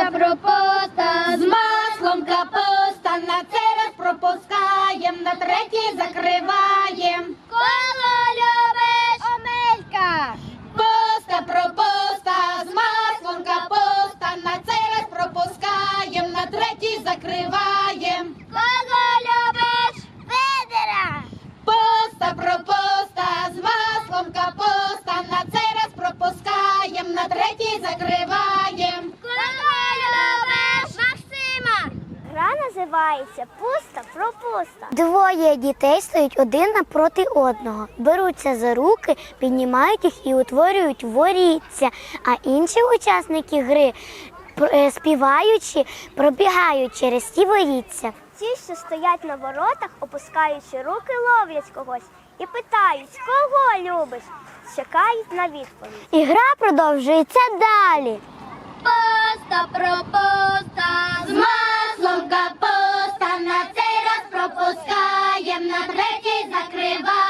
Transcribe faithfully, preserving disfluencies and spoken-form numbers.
пропуста, з маслом капуста, на цей раз пропускаєм, на третій закриваєм. Коло любиш? Омелька. Пуста, пропуста, з маслом капуста, на цей раз пропускаєм, на третій закриваєм. Кого любиш? Федора. Пуста, пропуста, з маслом капуста, на цей раз пропускаєм, на третій закриваєм. Кого любиш? Максима. Гра називається «Пуста-пропуста». Двоє дітей стоять один напроти одного, беруться за руки, піднімають їх і утворюють воріття, а інші учасники гри, співаючи, пробігають через ті воріття. Ті, що стоять на воротах, опускаючи руки, ловлять когось і питають, кого любиш, чекають на відповідь. І гра продовжується далі. Пуста, пропуста, з маслом капуста, на цей раз пропускаєм, на третій закриваєм.